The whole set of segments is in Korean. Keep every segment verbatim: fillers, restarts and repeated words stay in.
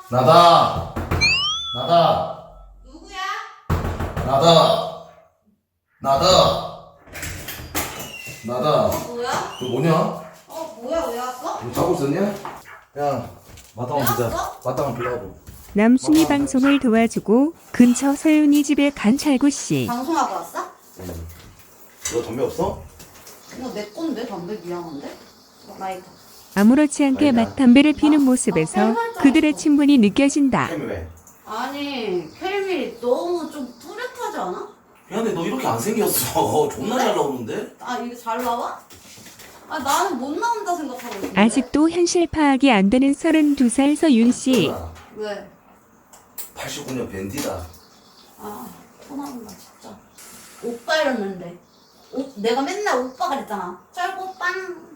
나다. 나다. 누구야? 나다. 나다. 나다. 어 뭐야? 너 뭐냐? 어 뭐야 왜 왔어? 너 자고 있었냐? 야, 마땅한 왜 비자. 왔어? 마땅한 빌라고. 남순이 방송을 도와주고 근처 서윤이 집에 간 찰구씨. 방송하고 왔어? 응. 너 담배 없어? 이거 내 건데 담배 미안한데? 라이터. 아무렇지 않게 아니다. 맛담배를 피는 모습에서 그들의 친분이 느껴진다. 캠이 왜? 아니 켈미 너무 좀 뚜렷하지 않아? 야, 근데 너 이렇게 안 생겼어. 존나 잘 나오는데? 아 이게 잘 나와? 아 나는 못 나온다 생각하고 있는데. 아직도 현실 파악이 안 되는 서른두 살 서윤씨. 왜? 팔십구 년 밴디다. 아 토나온다 진짜. 오빠 이랬는데. 오, 내가 맨날 오빠 그랬잖아. 쩔고 빵.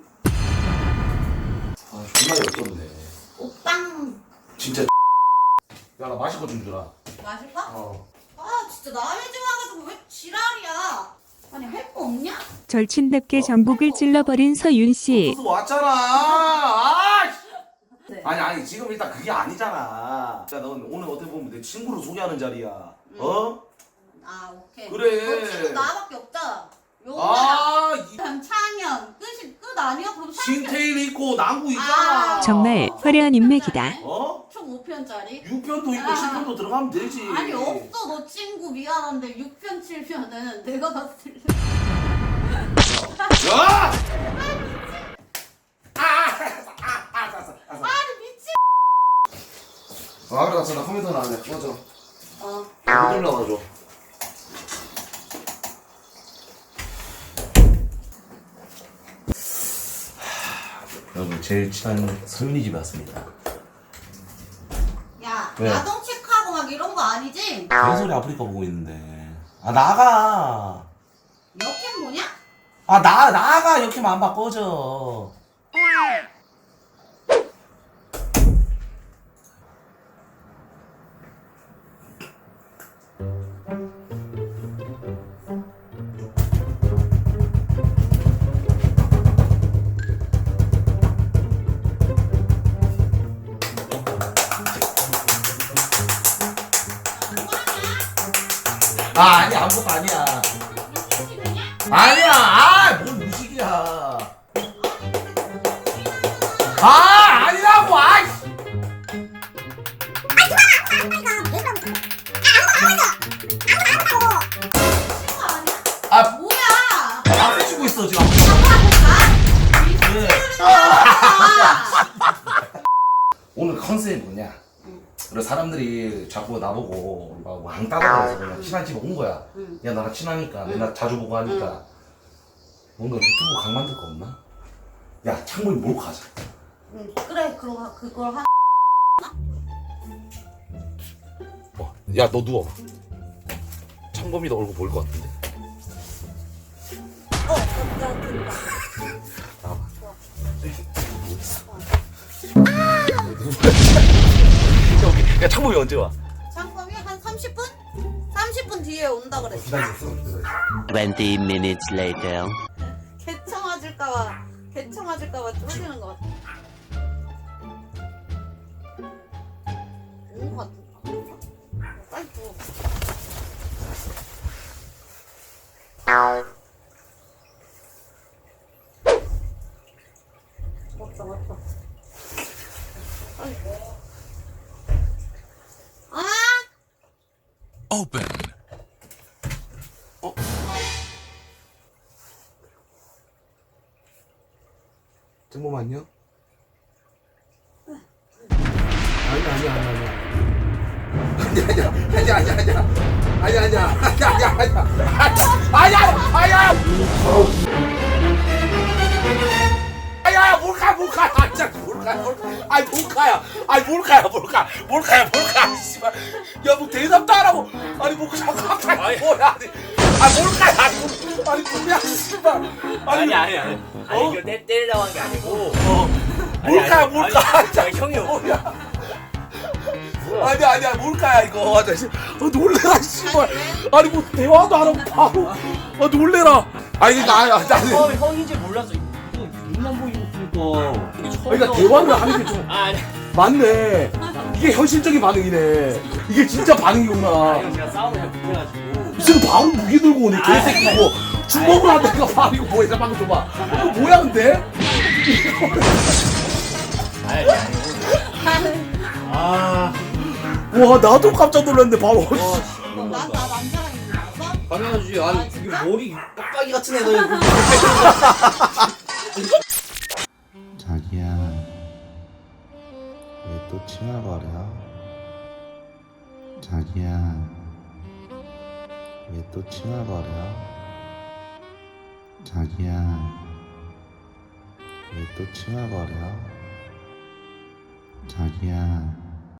아, 존나 역겹네. 오빵. 진짜. 야, 나 마실 거 좀 주라. 마실까? 어. 아 진짜 남의 집 와가지고 왜 지랄이야? 아니 할 거 없냐? 절친답게 전국을 찔러버린 서윤씨. 너도 왔잖아. 아! 네. 아니 아니 지금 일단 그게 아니잖아. 야, 넌 오늘 어떻게 보면 내 친구를 소개하는 자리야. 어? 아 오케이. 그래. 너 친구 나밖에 없잖아. 용나랑 아, 이 창현 끝이 끝 아니야? 그럼 신테일 있고 남구 있잖아. 아. 정말 화려한 인맥이다. 어? 총 오 편짜리? 육 편도 있고 아. 칠 편도 들어가면 되지. 아니 없어 너 친구 미안한데 육 편 칠 편은 내가 봤을 때 야! 아! 아! 아! 알았어. 알았어. 아니 미친. 아, 그래 알았어. 나 컴퓨터 나왔네. 꺼져. 어. 못 올라와줘. 여러분 제일 친한 서윤이 집에 왔습니다. 야 왜? 야동 체크하고 막 이런 거 아니지? 개소리 아프리카 보고 있는데. 아 나가. 여캠 뭐냐? 아 나 나가 이렇게 안 바꿔져. 아 아니 아무것도 아니야. 아니야. 아뭔 무식이야. 아 아니라고. 아이씨. 친구 아니야? 아 뭐야? 아 치고 있어 지금. 네. 오늘 컨셉이 뭐냐? 그래 사람들이 자꾸 나보고 막 왕따다 그래서 그냥 친한 집에 온 거야. 응. 야 나랑 친하니까 맨날 자주 보고 하니까 뭔가 유튜브 강 만들 거 없나? 야 창문이 몰고 가자. 응 그래 그거 그걸 한. 어, 야 너 누워. 창범이도 얼굴 보일 것 같은데. 어 깜짝이야. 나와봐. 야 창범이 언제 와? 장범이 한 삼십 분? 삼십 분 뒤에 온다 그랬어. 기다렸어. twenty minutes later. 개청 맞을까봐 개청 맞을까봐 쫄리는 것 같아. 온것 같은데. 빨리 줘. 맞다 맞다. 빨리. 아! Open. 창범 안녕? 아니 아니 아니 아니. 아니야 아니야 아니야 아니야 아니야 아니야 아니야 아니야 아니야 아니야 몰카 몰카 아 진짜 몰카 몰카 아니 몰카야 아니 몰카야 몰카 몰카야 몰카 씨발 야뭐 대답도 안 하고 아니 뭐 자꾸 갑자기 뭐야 아니 아 몰카야 아니 아니 뭐야 씨발 아니 아니 아니 아니 어? 이거 때 때리려고 한 게 아니고 어 아니, 몰카야 아니, 몰카 아니, 아니, 형이 뭐야 아니야 아니야 몰카야 이거 맞아 어 놀래라 씨발 아니 뭐 대화도 안 하고 바로 아 놀래라 아니 나야 형, 나는 형인지 몰라서 눈만 보이고 그러니까 그러니까 대화를 하는 게 좀 아 아니 맞네 이게 현실적인 반응이네. 이게 진짜 반응이구나. 이거 제가 싸움을 못해가지고. 무슨 바로 무기 들고 오네 개새끼고 주먹으로 한다니까 바로 뭐야 잠깐만 줘봐. 이거 뭐야 근데? 아니 아니. 아. 와 나도 깜짝 놀랐는데 바로. 나나 남자랑 있는 거 알았어? 당연하지. 아니 아, 이게 진짜? 머리 빡빡이 같은 애가 자기야, 왜 또 칭얼거려? 자기야, 왜 또 칭얼거려? 자기야, 왜 또 칭얼거려? 자기야.